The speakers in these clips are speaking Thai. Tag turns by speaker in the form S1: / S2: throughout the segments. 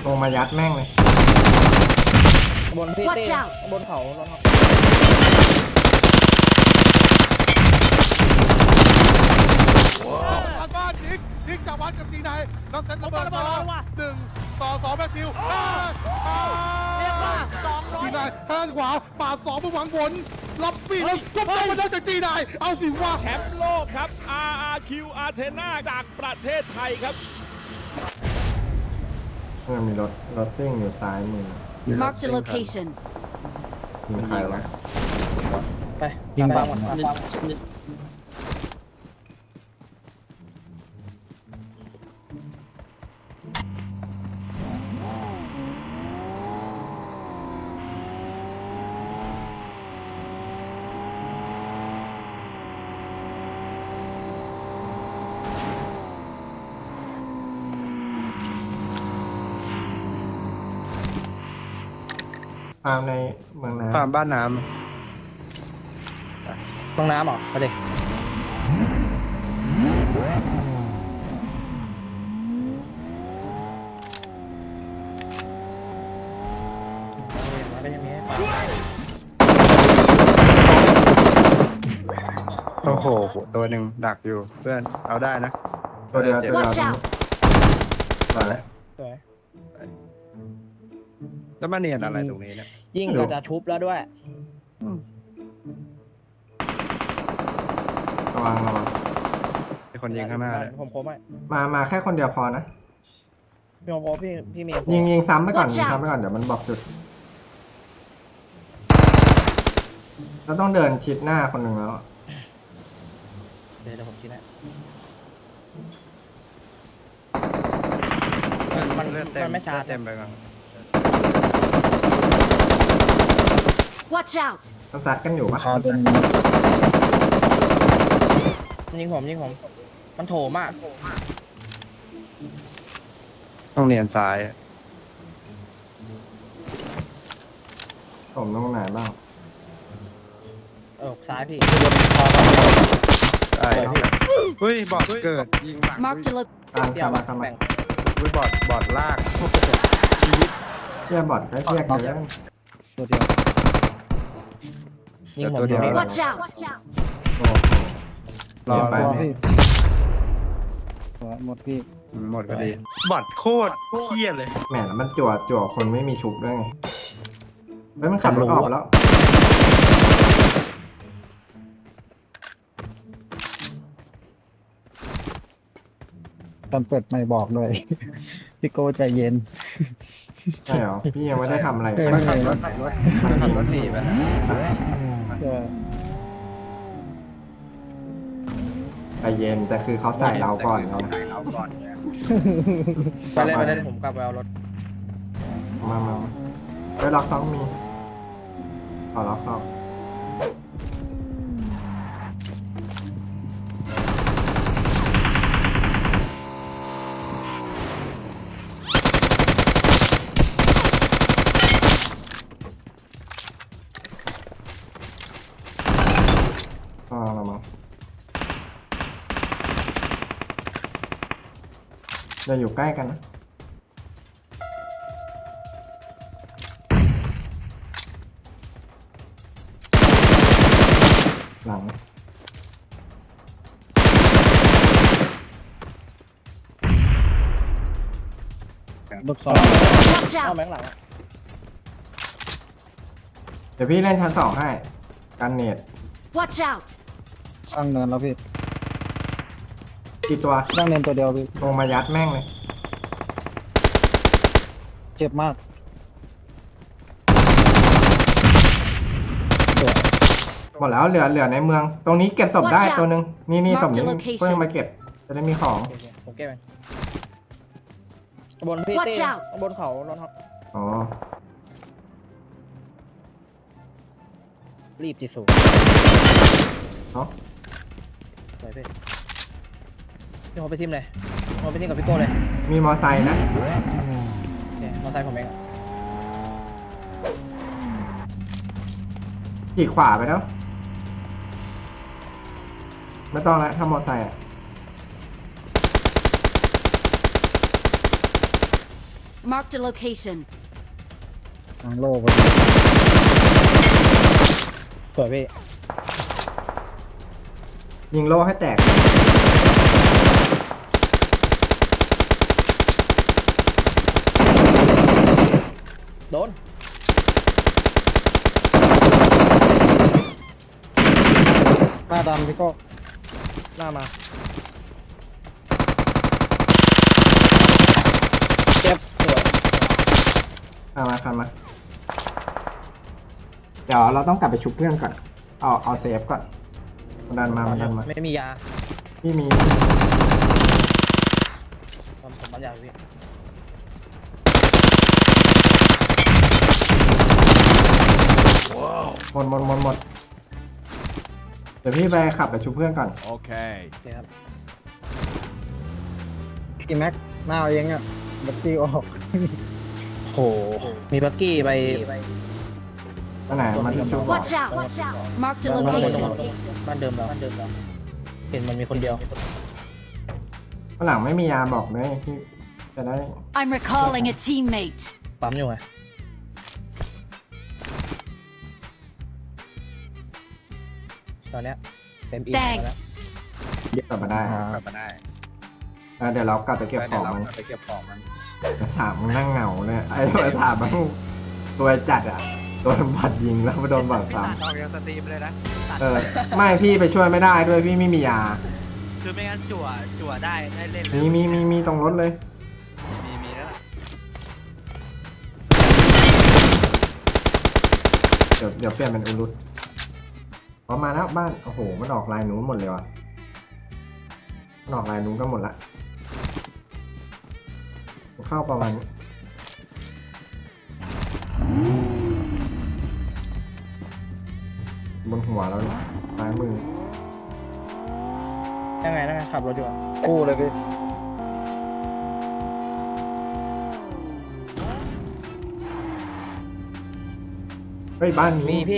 S1: ลงมายัดแม่งเลย
S2: บนพี่เต้บนเขาแล้วครับ
S3: ทางบ้านยิงจากวัดกับจีนายแล้วเซตระเบิดมา1-2แมทธิวจีนายแทนขวาปาด2เพื่อหวังผลรับปีแล้วก็ไปมาได้จากจีนายเอาสิว่า
S4: แชมป์โลกครับ RRQ Athena จากประเทศไทยครับ
S1: มีรถซิ่งอยู่ซ้ายมือ
S5: Mark the location
S1: มีใครวะ
S2: ไปยิงบ้างหมด
S1: ฟาร์มในเมืองน้ำ
S6: ฟาร์มบ้านน้ำ
S2: ตรงน้ำเหรอไปดิ
S6: โอ้โหตัวหนึ่งดักอยู่เพื่อนเอาได้นะ
S1: ตัวเดียว
S5: Watch out
S1: สวย
S2: สวย
S6: แล้วมาเนียนอะไรตรงนี้เนี่ย
S2: ยิ่งก็จะชุบแล้วด้วย
S1: ระวัง
S6: มีคนยิงข้างหน้าเลย
S2: ผมไหม
S1: มาแค่คนเดียวพอนะ
S2: พี่เมย์
S1: ยิงซ้ำไปก่อนเดี๋ยวมันบอกจุดเราต้องเดินชิดหน้าคนหนึ่งแล้ว
S2: เดี๋ยวผมคิดนะมันไม่ช้า
S6: เต็มไปก่อน
S5: Watch out
S1: ต้องซัดกันอยู่ปะ
S2: ยิงผมมันโถมาก
S6: ต้องเนียนซ้าย
S1: ผมตรงไหนบ้าง
S2: ซ้ายพี่
S6: ได้เฮ้ยบอดเกิดยิงหลัง
S5: Mark the
S1: ตามเข้ามา
S6: เฮ้ยบอดลากชีวิต
S1: เทียบบอดก็เทียบกันแล้ว
S2: ตัวเดียวยิงผม
S5: Watch out
S1: โอ้โหรอไป
S6: หมดพี่หมดพอดีบอดโคตรเคี้ยเลย
S1: แหมแล้วมันจั่วคนไม่มีชุบด้วยไงแล้วมันขับรถออกแล้ว
S7: ตอนเปิดไม่บอกเลยพี่โก้ใจเย็น
S1: ใช่เหรอพี่ยังไม่ได้ทำอะไร
S6: มันขับรถหนีไปนะ
S1: ใจเย็นแต่คือเขาใส่เราก่อนไง
S2: ไปเลยผมกลับไปเอารถ
S1: มาไปล็อก2มีขอล็อก2เราอยู่ใกล้กันนะหลัง
S7: ลูกซอง
S5: Watch
S2: เอา
S5: out
S2: แบงค์หลัง
S1: เดี๋ยวพี่เล่นชั้น2ให้กันเนต
S5: Watch out
S7: ตั้งเนินแล้วพี่
S1: กี่ตัว
S7: ตั้งเนินตัวเดียวพี่
S1: ลงมายัดแม่งเลย
S7: เจ็บมาก
S1: หมดแล้วเหลือในเมือง ตรงนี้เก็บศพได้ตัวหนึ่งนี่ศพนี้เพิ่งมาเก็บจะได้มีของ
S2: ผมเก็บไปบนพี่เต้บนเขาแล้วครับ
S1: อ๋อ
S2: รีบที่สุด
S1: เนาะ
S2: ไปพี่ผมไปซิมเลยผมไปซิมกับพี่โก้เลย
S1: มีมอไซค์นะ
S2: มอไซค์ผมเอง
S1: ขี่ขวาไปแล้วไม่ต้องแล้วถ้ามอไซค์
S5: Marked a location.
S7: ทางโลก
S2: สวยพี่
S1: ยิงโล่ให้แตก
S2: โดน
S7: หน้าดำพี่โก้
S2: หน้ามาเจ็บสวย
S1: ข้ามมาเดี๋ยวเราต้องกลับไปชุบเพื่อนก่อน เอาเซฟก่อนมันดันมา
S2: ไม่มียา
S1: พี่มี
S2: ผมมันยาพี่
S1: หมดเดี๋ยวพี่ไปขับไปชุบเพื่อนก่อน
S4: โอเค
S2: โอเคครับ
S7: พี่แม็กหน้าเอาเองอ่ะบัตตี้ออก
S2: โหมีบักกี้ไป
S1: อันไหนมันชุบ
S5: Watch out! Marked a location.
S2: บ้านเดิมเราเห็นมันมีคนเดียว
S1: ฝรั่งไม่มียาบอกเลยพี่จะได้
S5: I'm recalling a teammate.
S2: ปั๊มอยู่ไงตอนเนี้ยเต็มอีกแล้ว
S5: Thanks.
S1: กลับมาได้
S6: กลับมาได้
S1: แล้วเดี๋ยวเรากลับไปเก็บของมัน
S6: ไปเก็บของมัน
S1: ถามมึงนั่งเหงาเนี่ยไอ้ถามมันตัวจัดอ่ะโดนบัดยิงแล้วมาโดนบัดซ้
S8: ออกจากสตรีมเลยนะตัด
S1: ำไม่พี่ไปช่วยไม่ได้ด้วยพี่ไม่มียา
S8: คือไม่งั้นจั่วได้เล่นเลย
S1: มีตรงรถเลย
S8: มีแล้วล่ะ
S1: เดี๋ยวเปลี่ยนเป็นอุรุตพอมาแล้วบ้านโอ้โหมันออกลายนู้นหมดเลยว่ะมันออกลายนู้นก็หมดละเข้าประมาณนี้บนหัวแล้วเนี่ยซ้ายมือ
S2: ยังไงขับรถอยู่อะ
S7: คู่เลยพี่
S1: เฮ้ยบ้าน
S2: มี
S1: นี้
S2: พี่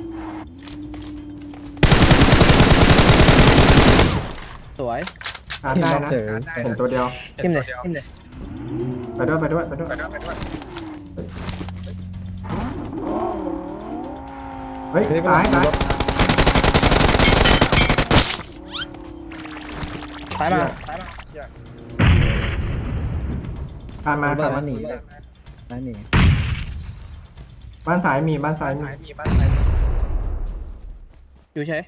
S2: สวย
S1: ชาร์จได้นะ
S7: เจอ
S1: เห็นตัวเดียว
S2: ทิมเลย
S1: ไปด้วย
S6: ไปด้วย
S1: เฮ้ยซ้าย
S2: ซ้ายมา
S1: ผ่านมา
S7: บ้า
S1: ผ่าน นมา
S7: หนีเลยบ้านหนี
S1: บ้านซ้ายมีบ้านซ้ายมี
S2: อยู่เฉย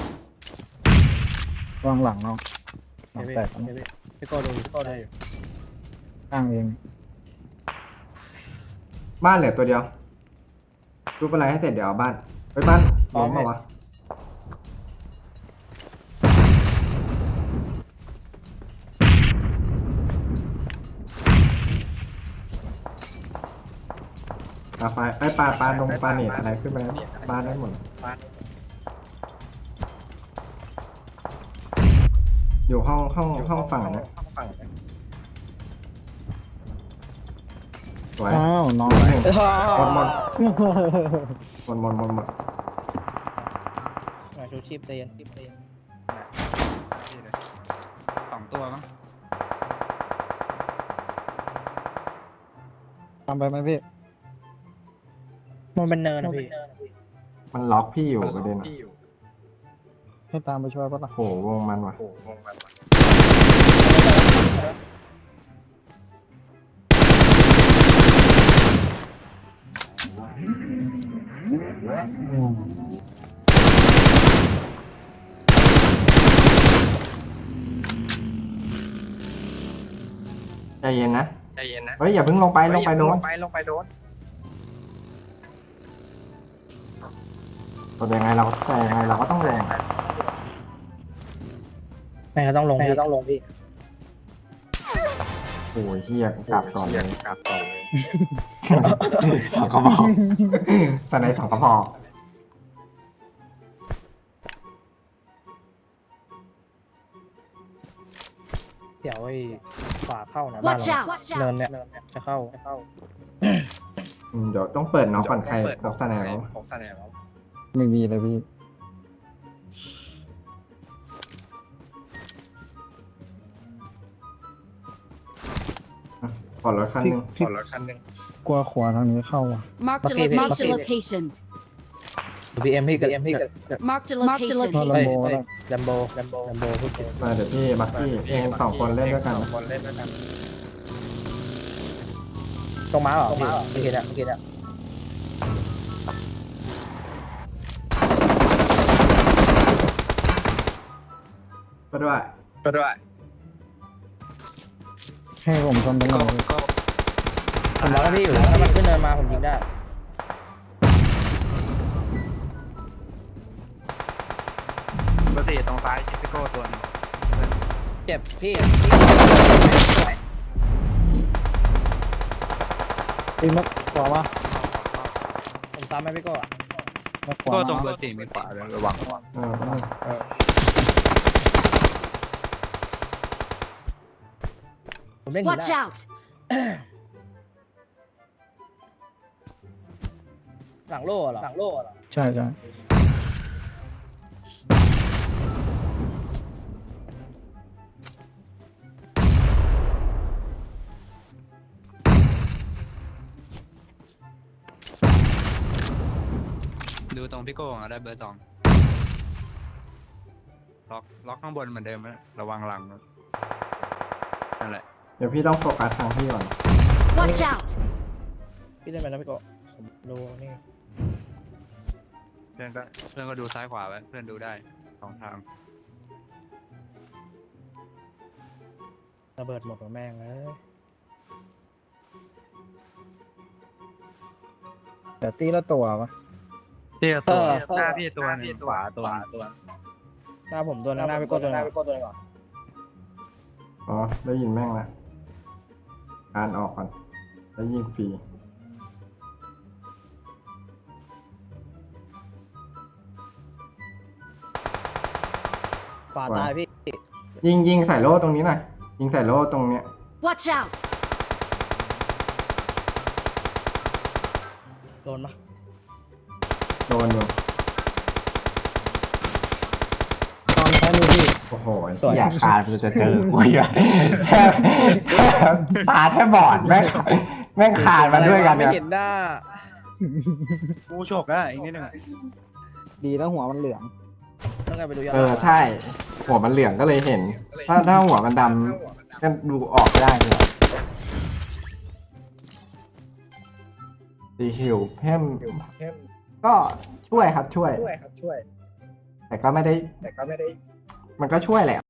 S7: วางหลังเนาะหลัง
S2: พี่
S7: แตก
S2: พี่โก้ดูพี่โก้ได้อยู่
S7: ข้างเอง
S1: บ้านเหลือตัวเดียวรูปอะไรให้เสร็จเดี๋ยวเอาบ้านไปบ้านล้มมาวะปลาไฟไอ้ปลาลงปลาเน็ตอะไรขึ้นมาแล้วบ้านได้หมดอยู่ห้องฝั่งนะสวย
S7: อ้าวน้อง
S1: หนึ่งหมด
S2: ชูชีพใจเย็น
S6: 2 ตัวมั้ง
S7: ทำไปไหมพี่
S2: มันเป็นเนินนะพี่
S1: มันล็อกพี่อยู่ประเด็นอะ
S7: ให้ตามไปช่วยปะล่ะ
S1: โหวงมันว่ะ ใจเย็นนะ เฮ้ยอย่าเพิ่งลงไปโดน แต่ยังไงเราก็ต้องลง
S2: แม่งก็ต้องลงพี่
S1: โอ้ยเฮียกลับก่อนเลยสองกระบอกตอนไหน2 กระบอก
S2: เดี๋ยวไอ้ขวาเข้านะบ้าน
S5: Watch
S2: เรา
S5: out!
S2: เนินเนี่ยจะเข้า
S1: เดี๋ยวต้องเปิดน็อกก่อนใครน็อกสแนล
S7: ไม่มีเลยพี่
S1: ขอรถคันหนึง
S6: ขอรถคันหนึ่ง
S7: กลัวขวาทางนี้เข้าอ่ะ
S5: Marked
S2: Okay,
S5: marked a
S2: okay.
S5: location.
S2: BM พี่กับ
S5: Marked a
S7: ถ้า
S5: location.
S7: ลำ
S2: เฮ้ย
S7: โบ
S2: เฮ้ย
S7: แล้ว
S2: ลัมโบพูดผิด
S1: มาเดี๋ยวพี่บักกี้เองสองคนเล่นด้วยกันนะ
S6: คนเล่นด้วยกัน
S2: ตรงม้าเหรอพี่เมื่อกี้เนี่ย
S1: ก็ด้วย
S6: ก็ด้วย
S7: ให้ผมทำตรง
S6: ก็
S7: นี้
S6: ก็
S2: ผมรอพี่อยู่ถ้ามันขึ้นเนินมาผมยิงได้
S8: ปกติตรงซ้ายชิปิโก้ตัวหนึง
S2: เจ็บพี่
S7: ตีมักขวามา
S2: ผมตามไปพี่โก้อะ
S7: มักขวา
S8: ก็ตรง
S7: มา
S8: เบอร์สี่มีขวาเลยระวัง
S2: ผมเล่นหิน
S5: Watch
S2: ได้
S5: out!
S2: หลังโล่เหรอ
S7: ใช่ใช่
S8: ดูตรงพี่โก้อะได้เบอร์สองล็อกข้างบนเหมือนเดิมนะระวังหลังนะนั่นแหละ
S1: เดี๋ยวพี่ต้องโฟกัสทางพี่ก่อน
S5: Watch out!
S2: พี่เล่นไปนะพี่โก้ผมดูนี่
S8: เพื่อนก็ดูซ้ายขวาไว้เพื่อนดูได้สองทาง
S2: ระเบิดหมดหัวแม่งเลย
S7: แต่ตีละตัวปะ
S8: พี่ตัวหน้าพี่ตัวหนึงขวาตัว
S2: หน้าผมตัวนึงหน้าพี่โก้ตัวนึงก่อน
S1: อ๋อได้ยินแม่งละอ่านออกก่อนแล้วยิงฟรี
S2: ขวาตายพี่
S1: ยิงใส่โล่ตรงนี้หน่อยยิงใส่โล่ตรงเนี้ย
S5: Watch out!
S2: โดนปะ
S1: โดนอยู่
S7: ตอนท้ายมือพี่
S1: โอ้โหอยากขาดมันจะเจอกูอยู่แทบตาแทบบอดแม่งขาดมาด้วยกัน
S2: ไม่
S1: เนี่ย
S2: เห็นหน้า
S6: กูฉกอ่ะอีกนิดนึง
S7: ดีแล้วหัวมันเหลือง
S2: ต้องการไปดูย้อน
S1: ใช่หัวมันเหลืองก็เลยเห็น ถ้าหัวมันดำก็ดูออกได้เลยสีหิวเพิ่มก็ช่วยครับช่วย แต่ก็ไม่ได้ มันก็ช่วยแหละ